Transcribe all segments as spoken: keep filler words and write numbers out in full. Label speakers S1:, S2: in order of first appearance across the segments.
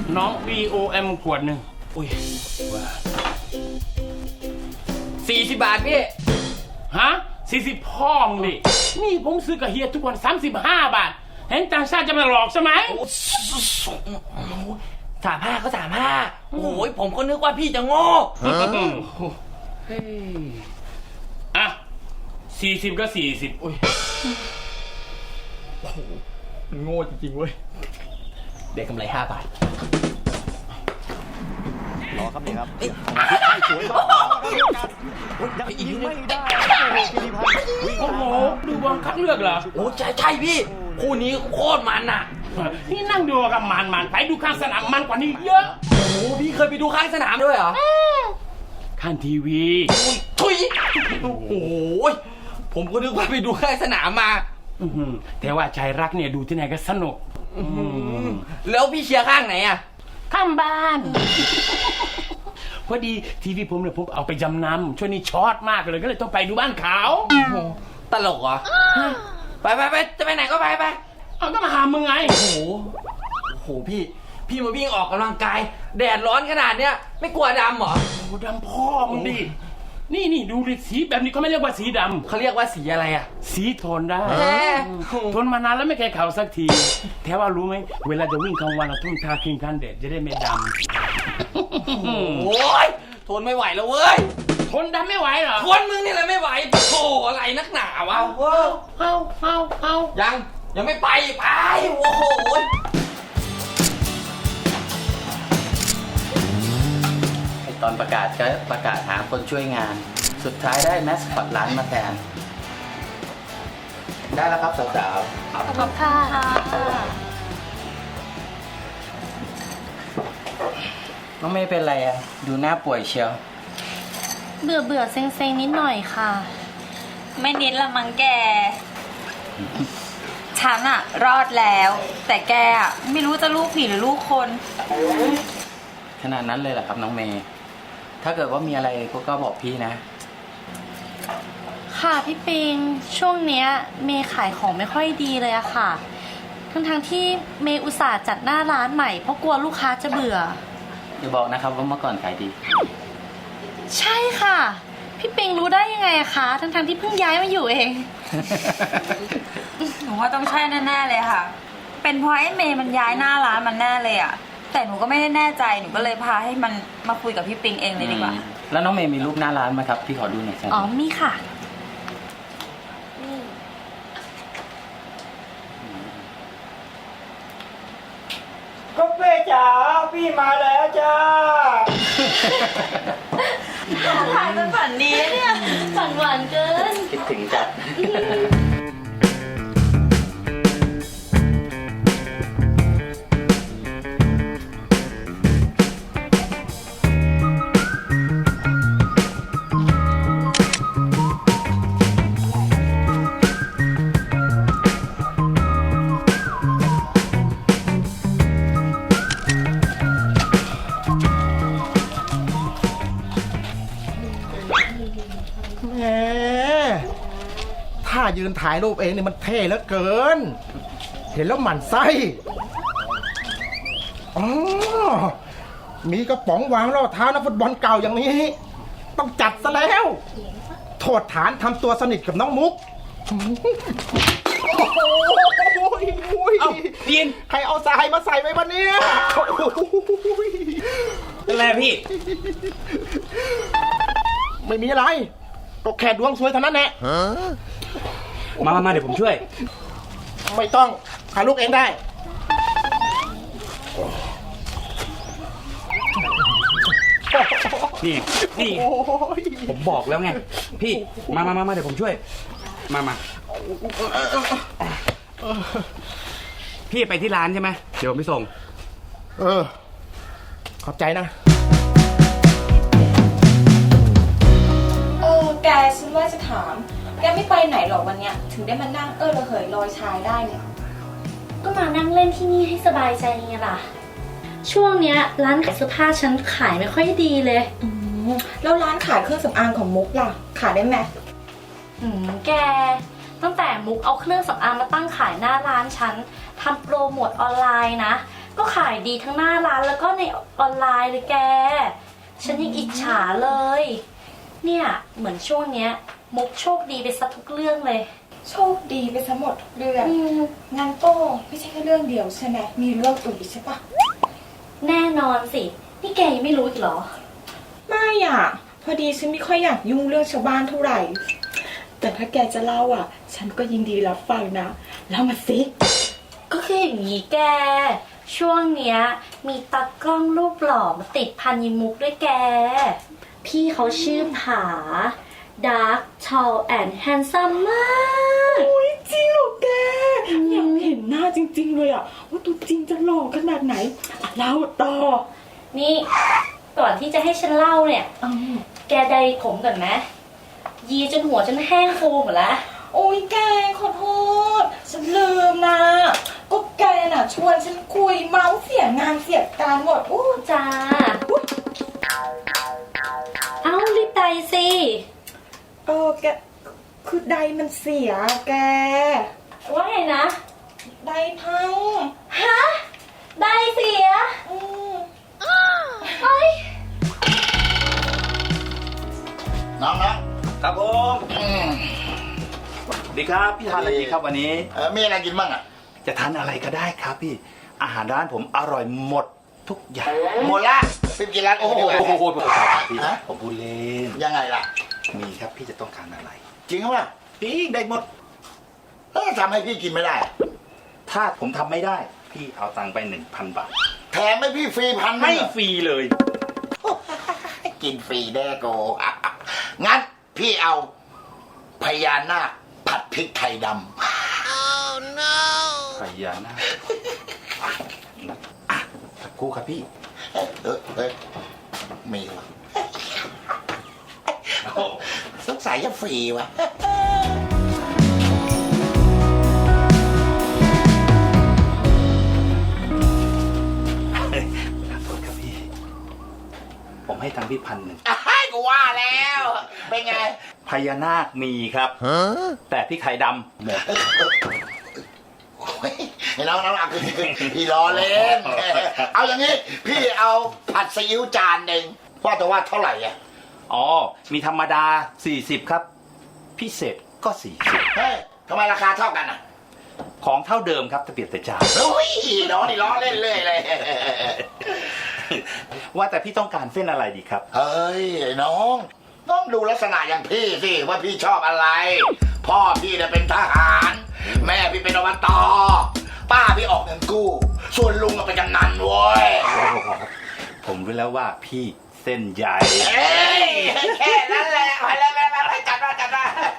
S1: น้อง วี โอ เอ็ม ขวดหนึ่งอุ้ย
S2: สี่สิบบาทพี่
S1: ฮะสี่สิบพ่องดินี่ผมซื้อกับเฮียทุกวันสามสิบห้าบาทเห็นต่างชาติจะมาหลอกใช่ไหม
S2: สามห้าก็สามห้าโอ้ยผมก็นึกว่าพี่จะโง่
S1: เฮ้ยอ่ะสี่สิบก็สี่สิบอุ้ย
S2: โอ้โหมันโง่จริงๆเว้ยเด็กกำไรห้าบาท
S3: รอครับนี่ครับให้สวยต่อยังยิงไม่ได้
S1: โอ้โหดูบอลคัดเลือกเหรอ
S2: โอ้ใช่ใช่พี่คู่นี้โคตรมันอ่ะ
S1: นี่นั่งดูกับมันมันไปดูข้างสนามมันกว่านี้เยอะ
S2: โอ้โหพี่เคยไปดูข้างสนามด้วยเหรอ
S1: ข้างทีวี
S2: ทุยโอ้โหผมก็นึกว่าไปดูข้างสนามมา
S1: แต่ว่าใจรักเนี่ยดูที่ไหนก็สนุก
S2: แล้วพี่เชียร์ข้างไหนอ่ะ
S1: ข้างบ้านพอดีทีวีผมเนี่ยผมเอาไปจำนำช่วงนี้ช็อตมากเลยก็เลยต้องไปดูบ้านเขา
S2: ตลกเหรอไปไปไปจะไปไหนก็ไปไป
S1: เอาก็มาหามึงไง
S2: โอ้โหโอ้โหพี่พี่มาวิ่งออกกำลังกายแดดร้อนขนาดเนี้ยไม่กลัวดำเหรอ
S1: โอ้ดำพ่อมึงดินี่นี่ดูดิสีแบบนี้เขาไม่เรียกว่าสีดำ
S2: เขาเรียกว่าสีอะไรอ่ะ
S1: สีทนได้ทนมานานแล้วไม่เคยเข่าสักทีแถวว่ารู้ไหมเวลาจะวิ่งกลางวันเราต้องทาครีมกันแดดจะได้ไม่ด
S2: ำโอ้ยทนไม่ไหวแล้วเว้ย
S1: ทนดำไม่ไหวเหรอ
S2: ทนมึงนี่แหละไม่ไหวโธ่อะไรนักหนาวะ
S1: เอาเอาเอา
S2: ยังยังไม่ไปไปโอ้โหตอนประกาศก็ประกาศหาคนช่วยงานสุดท้ายได้แมสคอตร้านมาแทนได้แล้วครับสาวๆ
S4: ขอบคุณค่ะ
S2: น้องไม่เป็นไรอ่ะดูหน้าป่วยเชียว
S4: เบื่อเบื่อเซ็งเซ็งนิดหน่อยค่ะ
S5: ไม่นิดละมังแกฉันอะรอดแล้วแต่แกอะไม่รู้จะลูกผีหรือลูกคน
S2: ขนาดนั้นเลยเหรอครับน้องเมย์ถ้าเกิดว่ามีอะไรก็บอกพี่นะ
S4: ค่ะพี่ปิงช่วงเนี้ยเมย์ขายของไม่ค่อยดีเลยอะค่ะทั้งทั้งที่เมย์อุตส่าห์จัดหน้าร้านใหม่เพราะกลัวลูกค้าจะเบื่อ
S2: อย่าบอกนะครับว่าเมื่อก่อนขายดี
S4: ใช่ค่ะพี่ปิงรู้ได้ยังไงอะคะทั้งทั้งที่เพิ่งย้ายมาอยู่เอง
S5: หนูว่าต้องใช่แน่ๆเลยค่ะเป็นเพราะไอ้เมย์มันย้ายหน้าร้านมันแน่เลยอะแต่หนูก็ไม่ได้แน่ใจหนูก็เลยพาให้มันมาคุยกับพี่ปิงเองเลยดีกว่า
S2: แล้วน้องเมย์มีรูปหน้าร้านไหมครับพี่ขอดูหน่อยสิ
S4: อ๋อมีค่ะ
S3: ก็เป้จ๋าพี่มาแล้วจ้า
S5: ถ่ายเป็นฝันดีเนี่ย
S4: ฝันหวานเกิน
S2: คิดถึงจัด
S3: ถ้ายืนถ่ายรูปเองนี่มันเท่เหลือเกินเห็นแล้วหมั่นไส้อ๋อมีกระป๋องวางรองเท้านักฟุตบอลเก่าอย่างนี้ต้องจัดซะแล้วโทษฐานทำตัวสนิทกับน้องมุกโอ้โห
S1: เอาเรียน
S3: ใครเอาทรายมาใส่ไว้วันนี้
S1: เป็นไรพี่
S3: ไม่มีอะไรก็แค่ดวงสวยเท่านั้นแหละ
S1: มามาเดี๋ยวผมช่วย
S3: ไม่ต้องหาลูกเองได้
S1: นี่นี่ผมบอกแล้วไงพี่มามามาเดี๋ยวผมช่วยมามาพี่ไปที่ร้านใช่ไหมเดี๋ยวผมไปส่ง
S3: เออขอบใจนะ
S5: โอ้แกฉันว่าจะถามแกไม่ไปไหนหรอกวันเนี้ยถึงได้มานั่งเออระเหยลอยชายได้เนี่ย
S4: ก็มานั่งเล่นที่นี่ให้สบายใจไงล่ะช่วงเนี้ยร้านขายเสื้อผ้าฉันขายไม่ค่อยดีเลย
S5: แล้วร้านขายเครื่องสำอางของมุกล่ะขายได้ไหม
S4: อืมแกตั้งแต่มุกเอาเครื่องสำอางมาตั้งขายหน้าร้านฉันทำโปรโมทออนไลน์นะก็ขายดีทั้งหน้าร้านแล้วก็ในออนไลน์เลยแก ฉันยังอิจฉาเลย เนี่ยเหมือนช่วงเนี้ยมุกโชคดีไปซะทุกเรื่องเลย
S6: โชคดีไปซะหมดทุกเรื่อง
S4: อืม
S6: งั้นก็ไม่ใช่แค่เรื่องเดียวใช่ไหมมีเรื่องอื่นอีกใช่ปะ
S4: แน่นอนสิ นี่แกยังไม่รู้อีกเหรอ
S6: ไม่อ่ะ พอดีฉันไม่ค่อยอยากยุ่งเรื่องชาวบ้านเท่าไหร่ แต่ถ้าแกจะเล่าอ่ะ ฉันก็ยินดีรับฟังนะเล่ามาสิ
S4: ก็คืออย่างนี้แก ช่วงเนี้ยมีตากล้องรูปหล่อมาติดพันยิมุกด้วยแก พี่เขาชื่อผา Dark Tall and Handsome มาก
S6: โอ้ยจริงเหรอแก อยากเห็นหน้าจริงๆเลยอ่ะ ว่าตัวจริงจะหล่อขนาดไหนอ่ะเล่าต่อ
S4: นี่ ก่อนที่จะให้ฉันเล่าเนี่ย
S6: อืม
S4: แกใดผมก่อนไหมยีจนหัวจนแห้งฟูหมดแล้ว
S6: โอ้ยแกขอโทษ ฉันลืมนะ ก็แกน่ะชวนฉันคุยเมาส์เสียงานเสียการหมดอู้
S4: จ้า เอ้ารีบใดสิ
S6: เออแก คือใดมันเสียแก
S4: ว่าไงนะ
S6: ใดพัง
S4: ฮะ ได้เสีย
S6: อืม
S4: เฮ้ย
S7: น้องนะครับ
S8: ผม
S7: อืม
S8: ดีครับพี่ทานอะไรดีครับวันนี้
S7: เออมีอะไรกินบ้างอ่ะ
S8: จะทานอะไรก็ได้ครับพี่อาหารร้านผมอร่อยหมดทุกอย่าง
S7: หมดละพี่กินร้าน
S8: โอ้
S7: อื่น
S8: โห
S7: ดีกว่า
S8: โอ้โหครับพี่
S7: ฮะ
S8: ผมพูดเล่น
S7: ยังไงล่ะ
S8: มีครับพี่จะต้องการอะไร
S7: จริงหรือเปล่า
S8: พี่ได้หมด
S7: เออทำให้พี่กินไม่ได้
S8: ถ้าผมทำไม่ได้ พี่เอาตังค์ไปหนึ่งพันบาท
S7: แถมให้พี่ฟรีพันหนึ่
S8: ให้
S7: งอะ
S8: ฟรีเลย
S7: กินฟรีแน่โก งั้นพี่เอาพญานาคผัดพริกไทยด
S8: พญานาคอ่ะสักครู่ครับพี่
S7: ำเออเออมีวะสงสัยจะฟรีวะ
S8: ขอโทษครับพี่ ผมให้ตังค์พี่พันหนึ่ง
S7: ให้กูว่าแล้ว เป็นไง
S8: พญานาคมีครับ แต่พี่ไข่ดำหมด
S7: โอ้ยไอ้น้องน้องอ่ะคือพี่ล้อเล่น เอาอย่างนี้ พี่เอาผัดซีอิ๊วจานหนึ่งว่าแต่ว่าเท่าไหร่อ่ะ
S8: อ๋อ มีธรรมดา สี่สิบ ครับ พิเศษก็ สี่สิบ
S7: เฮ้ยทำไมราคาเท่ากันอ่ะ
S8: ของเท่าเดิมครับแต่เปลี่ยนแต่จาน
S7: โอ้ยน้องนี่ล้อเล่นเลยเลย
S8: ว่าแต่พี่ต้องการเส้นอะไรดีครับ
S7: เฮ้ยไอ้น้องต้องดูลักษณะอย่างพี่สิว่าพี่ชอบอะไร พ่อพี่เนี่ยเป็นทหาร แม่พี่เป็นอบตป้าพี่ออกเงินกู้ ส่วนลุงก็เป็นกำนันเว้ย
S8: ผมรู้แล้วว่าพี่เส้นใหญ่
S7: เอ้ยแค่นั้นแหละไปเลยไปไปไปจัดมาจัดมา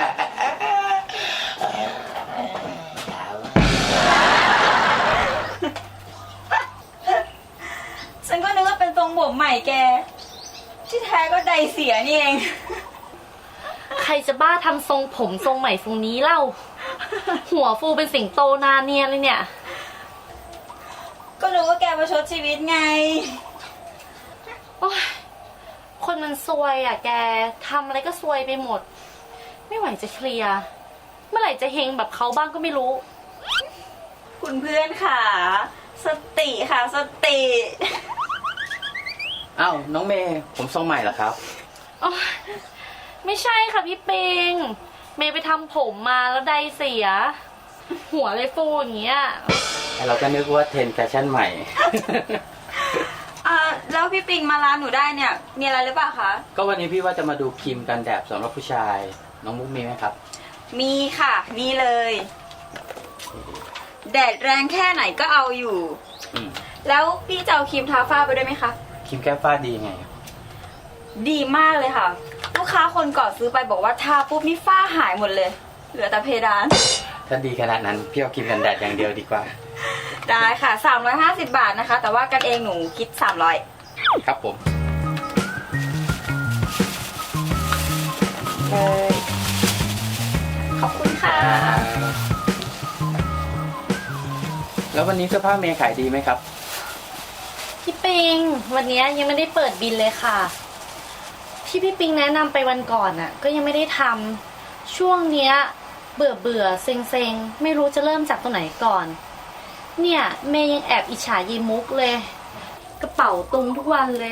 S5: ฉันก็นึกว่าเป็นทรงผมใหม่แก ที่แท้ก็ใดเสียนี่เอง
S4: ใครจะบ้าทำทรงผมทรงใหม่ทรงนี้เล่า หัวฟูเป็นสิงโตนาเนียเลยเนี่ย
S5: ก็รู้ว่าแกประชดชีวิตไง
S4: โอ๊ยคนมันซวยอ่ะแก ทำอะไรก็ซวยไปหมด ไม่ไหวจะเคลียร์ เมื่อไหร่จะเฮงแบบเขาบ้างก็ไม่รู้
S5: คุณเพื่อนค่ะ สติค่ะสติ
S2: เอ้าน้องเมย์ผมทรงใหม่เหรอครับ
S4: โอ๊ยไม่ใช่ค่ะพี่ปิง เมย์ไปทำผมมาแล้วใดเสีย หัวเลยฟูอย่างเงี้ย
S2: เราก็นึกว่าเทรนด์แฟชั่นใหม่
S5: อ่าแล้วพี่ปิงมาร้านหนูได้เนี่ย มีอะไรหรือเปล่าคะ
S2: ก็วันนี้พี่ว่าจะมาดูครีมกันแดดสำหรับผู้ชาย น้องมุกมีไหมครับ
S5: มีค่ะ นี่เลย แดดแรงแค่ไหนก็เอาอยู่
S2: อืม
S5: แล้วพี่จะเอาครีมทาฝ้าไปด้วยไหมคะ
S2: ครีมแก้ฝ้าดีไง
S5: ดีมากเลยค่ะ ลูกค้าคนก่อนซื้อไปบอกว่าทาปุ๊บนี่ฝ้าหายหมดเลย เหลือแต่เพดาน
S2: ถ้าดีขนาดนั้นพี่เอาครีมกันแดดอย่างเดียวดีกว่า
S5: ได้ค่ะ สามร้อยห้าสิบบาทนะคะ แต่ว่ากันเองหนูคิดสามร้อย
S2: ครับผม
S5: เลย ขอบคุณค่ะ
S2: แล้ววันนี้เสื้อผ้าเมย์ขายดีไหมครับ
S4: พี่ปิง วันนี้ยังไม่ได้เปิดบินเลยค่ะ ที่พี่ปิงแนะนำไปวันก่อนน่ะ ก็ยังไม่ได้ทำช่วงเนี้ย เบื่อเบื่อเซ็งเซ็งไม่รู้จะเริ่มจากตัวไหนก่อนเนี่ยเมย์ยังแอบอิจฉายีมุกเลย กระเป๋าตุงทุกวันเลย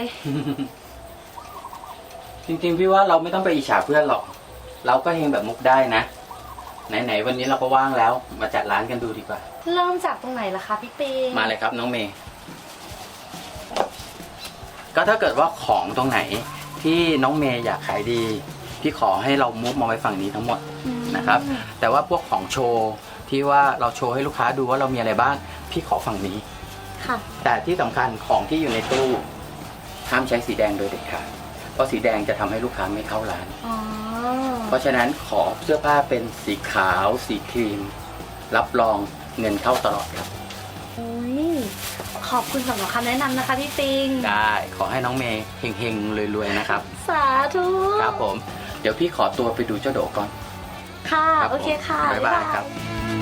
S2: จริงๆพี่ว่าเราไม่ต้องไปอิจฉาเพื่อนหรอก เราก็เฮงแบบมุกได้นะ ไหนๆวันนี้เราก็ว่างแล้ว มาจัดร้านกันดูดีกว่า
S4: เริ่มจากตรงไหนล่ะคะพี่ปิง
S2: มาเลยครับน้องเมย์ ก็ถ้าเกิดว่าของตรงไหนที่น้องเมย์อยากขายดี พี่ขอให้เรามุฟมาไว้ฝั่งนี้ทั้งหมดนะครับ แต่ว่าพวกของโชว์ที่ว่าเราโชว์ให้ลูกค้าดูว่าเรามีอะไรบ้าง พี่ขอฝั่งนี้
S4: ค่ะ
S2: แต่ที่สำคัญของที่อยู่ในตู้ห้ามใช้สีแดงโดยเด็ดขาด เพราะสีแดงจะทำให้ลูกค้าไม่เข้าร้าน
S4: อ๋อ
S2: เพราะฉะนั้นขอเสื้อผ้าเป็นสีขาว สีครีม รับรองเงินเข้าตลอดครับ
S4: โอ้ยขอบคุณสำหรับคำแนะนำนะคะพี่ปิง
S2: ได้ขอให้น้องเมย์เฮงๆรวยๆนะครับ
S4: สาธุ
S2: ครับผม เดี๋ยวพี่ขอตัวไปดูเจ้าโดก่อน
S4: ค่ะ
S2: รับ
S4: โอเคค่ะ
S2: ผมบ๊ายบายครับ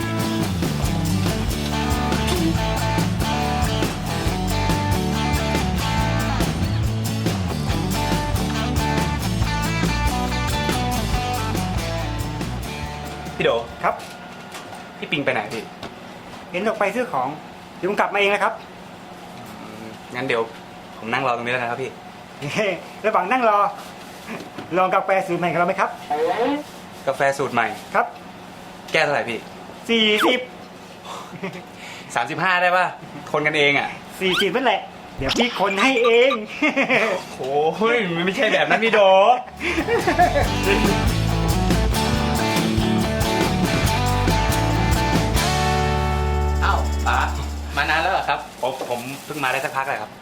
S9: พี่โดครับ พี่ปิงไปไหนพี่
S10: เห็นออกไปซื้อของเดี๋ยวผมกลับมาเองนะครับ
S9: งั้นเดี๋ยวผมนั่งรอตรงนี้แล้วนะครับพี่
S10: ระหว่างนั่งรอ ลองกาแฟสูตรใหม่ของเราไหมครับ
S9: กาแฟสูตรใหม่
S10: ครับ
S9: แก้วเท่าไหร่พี่
S10: สี่สิบ
S9: สามสิบห้าได้ป่ะ คนกันเองอ่ะ
S10: สี่สิบนั่นแหละ เดี๋ยวพี่คนให้เอง
S9: โอ้ยมันไม่ใช่แบบนั้นพี่โด
S2: เอ้าป๋ามานานแล้วเหรอครับ
S9: ผมผมเพิ่งมาได้สักพักเลยครับ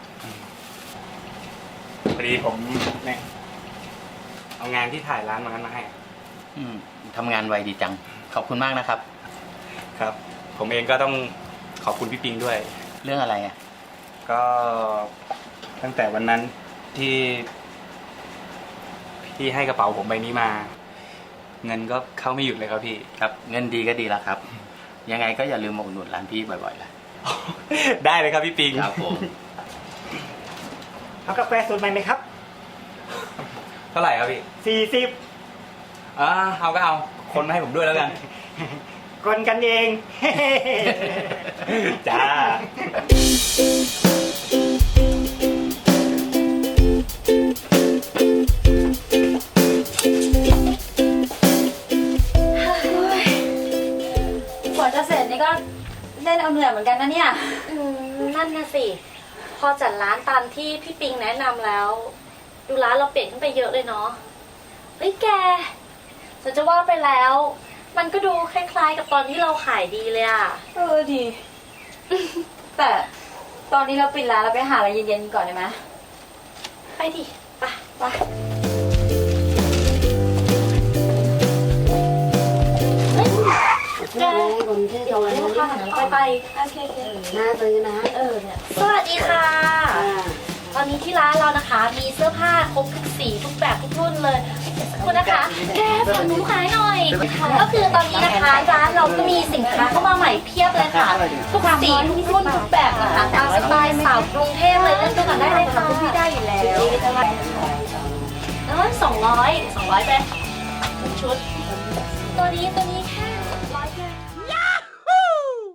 S9: พอดีผมเนี่ยเอางานที่ถ่ายร้านมานั้นมาให้
S2: อืมทำงานไวดีจัง ขอบคุณมากนะครับ
S9: ครับ ผมเองก็ต้องขอบคุณพี่ปิงด้วย
S2: เรื่องอะไรอ่ะ
S9: ก็ตั้งแต่วันนั้นที่พี่ให้กระเป๋าผมใบนี้มา เงินก็เข้าไม่หยุดเลยครับพี่
S2: ครับ เงินดีก็ดีแล้วครับ ยังไงก็อย่าลืมมาอุดหนุนร้านพี่บ่อยๆล่ะ
S9: ได้เลยครับพี่ปิง
S2: ครับผม
S10: เอากาแฟสูตรใหม่ไหมครับ
S9: เท่าไหร่ครับพี่
S10: สี่สิบ
S9: อ่าเอาก็เอา คนมาให้ผมด้วยแล้วกัน
S10: คนกันเอง
S9: จ้า
S5: กว่าจะเสร็จนี่ก็เล่นเอาเหนื่อยเหมือนกันนะเนี่ย
S4: อืมนั่นนะสิ พอจัดร้านตามที่พี่ปิงแนะนำแล้ว ดูร้านเราเปลี่ยนขึ้นไปเยอะเลยเนาะเฮ้ยแกฉันจะว่าไปแล้ว มันก็ดูคล้ายๆ กับตอนที่เราขายดีเลยอะ
S5: เออดี แต่ตอนนี้เราปิดร้านเราไปหาอะไรเย็นๆก่อนได้ไหม
S4: ไปดิไปไปเฮ้ยแกเดี๋ยวลูกค้าหันไปไปโอเคโอเค
S11: น่าซื้อนะ
S4: เออเนี่ยสวัสดีค่ะ ตอนนี้ที่ร้านเรานะคะ มีเสื้อผ้าครบทุกสีทุกแบบทุกรุ่นเลยคุณนะคะ แกฝากหนูขายหน่อย ก็คือตอนนี้นะคะร้านเราก็มีสินค้าเข้ามาใหม่เพียบเลยค่ะทุกสีทุกรุ่นทุกแบบนะคะตามสไตล์สาวกรุงเทพเลยเล่นตัวกันได้เลยค่ะคุณพี่ได้อยู่แล้วเออสองร้อยสองร้อยไปทุกชุด ตัวนี้ตัวนี้แค่